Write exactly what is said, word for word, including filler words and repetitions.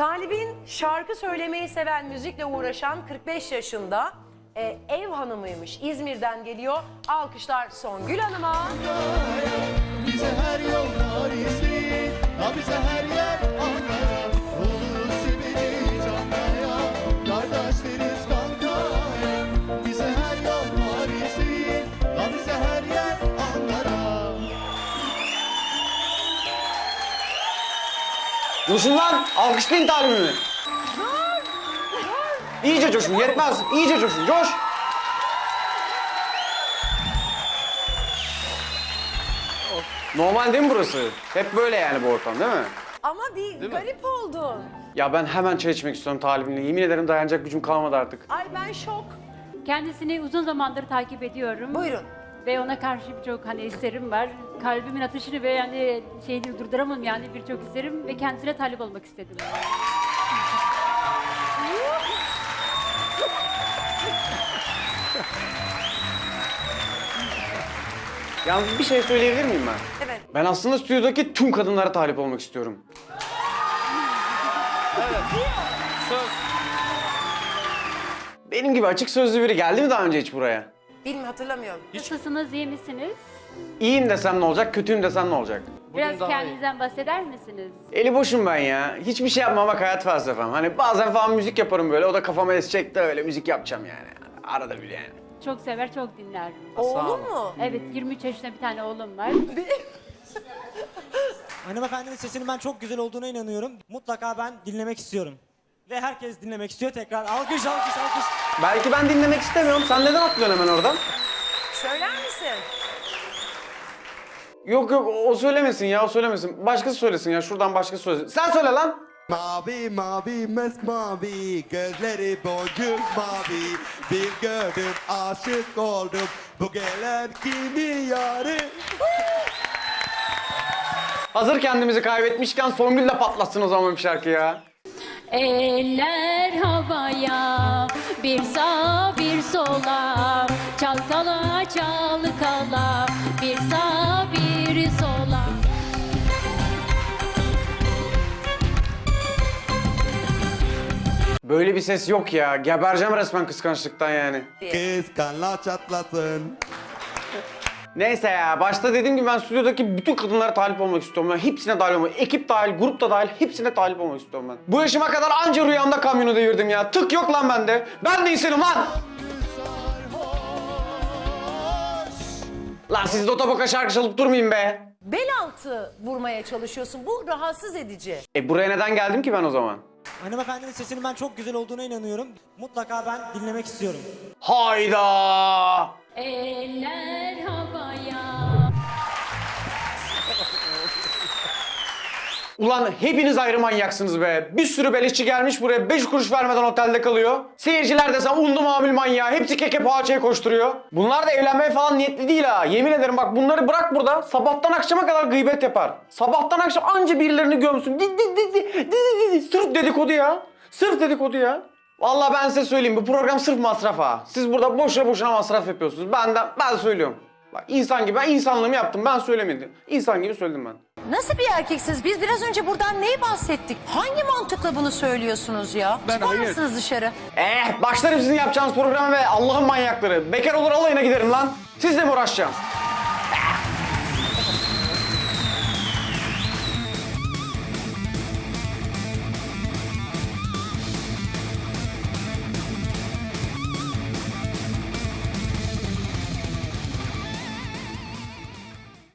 Talib'in şarkı söylemeyi seven, müzikle uğraşan kırk beş yaşında e, ev hanımıymış. İzmir'den geliyor. Alkışlar Songül Hanım'a. Bize her yol var İzmir, ha bize her yer Ankara. Ulusu beni canlaya, kardeşleriz kankaya. Bize her yol var İzmir, ha bize her yer Ankara. Coşun lan! Alkışlayın talibimi. İyice coşun, yetmez. İyice coşun, coş. Normal değil mi burası? Hep böyle yani bu ortam değil mi? Ama bir garip oldun. Ya ben hemen çay içmek istiyorum talibimle. Yemin ederim dayanacak gücüm kalmadı artık. Ay ben şok. Kendisini uzun zamandır takip ediyorum. Buyurun. Ve ona karşı birçok hani isterim var. Kalbimin atışını ve yani şeyini durduramam yani birçok isterim ve kendisine talip olmak istedim. Yalnız bir şey söyleyebilir miyim ben? Evet. Ben aslında stüdyodaki tüm kadınlara talip olmak istiyorum. Benim gibi açık sözlü biri geldi mi daha önce hiç buraya? Bilmiyorum, hatırlamıyorum. Nasılsınız, iyi misiniz? İyiyim desem ne olacak, kötüyüm desem ne olacak? Biraz kendinizden bahseder misiniz? Eli boşum ben ya. Hiçbir şey yapmamak hayat felsefem. Hani bazen falan müzik yaparım böyle, o da kafama esecek de öyle müzik yapacağım yani. Arada bir yani. Çok sever, çok dinler. Oğlum mu? Evet, yirmi üç yaşında bir tane oğlum var. Hanımefendinin sesinin ben çok güzel olduğuna inanıyorum. Mutlaka ben dinlemek istiyorum. Ve herkes dinlemek istiyor tekrar. Alkış, alkış, alkış. Belki ben dinlemek istemiyorum. Sen neden atlıyorsun hemen oradan? Söyler misin? Yok yok, o söylemesin ya, o söylemesin. Başkası söylesin ya, şuradan başkası söylesin. Sen söyle lan! Mavi mavi mavi, gözleri boncuk mavi. Bir gördüm aşık oldum, bu gelen kimin yarı? Hazır kendimizi kaybetmişken Songül de patlatsın o zaman bir şarkı ya. Eller havaya, bir sağa bir sola, çalkala çalkala, bir sağa bir sola. Böyle bir ses yok ya. Gebereceğim resmen kıskançlıktan yani. Kıskanlar çatlasın. Neyse ya, başta dediğim gibi ben stüdyodaki bütün kadınlara talip olmak istiyorum. Ben hepsine talip olmak, ekip dahil, grup da dahil hepsine talip olmak istiyorum ben. Bu yaşıma kadar anca rüyamda kamyonu devirdim ya. Tık yok lan bende. Ben de insanım lan. Lan siz de otoboka şarkı çalıp durmayın be. Bel altı vurmaya çalışıyorsun. Bu rahatsız edici. E buraya neden geldim ki ben o zaman? Hanımefendinin sesinin ben çok güzel olduğuna inanıyorum. Mutlaka ben dinlemek istiyorum. Hayda! Eller havaya. Ulan hepiniz ayrı manyaksınız be. Bir sürü beleşçi gelmiş buraya beş kuruş vermeden otelde kalıyor. Seyirciler desem unlu mamul manyağı. Hepsi keke poğaçaya koşturuyor. Bunlar da evlenmeye falan niyetli değil ha. Yemin ederim bak bunları bırak burada. Sabahtan akşama kadar gıybet yapar. Sabahtan akşam anca birilerini gömsün. Di, di, di, di, di, di, di. Sırf dedikodu ya. Sırf dedikodu ya. Vallahi ben size söyleyeyim bu program sırf masraf ha. Siz burada boşuna boşuna masraf yapıyorsunuz. Ben de ben söylüyorum. Bak insan gibi ben insanlığımı yaptım. Ben söylemedim. İnsan gibi söyledim ben. Nasıl bir erkeksiniz? Biz biraz önce buradan neyi bahsettik? Hangi mantıkla bunu söylüyorsunuz ya? Ben Çıkar hayır. mısınız dışarı? Eh başlarım sizin yapacağınız programa ve Allah'ın manyakları. Bekar olur alayına giderim lan. Sizle mi uğraşacağım?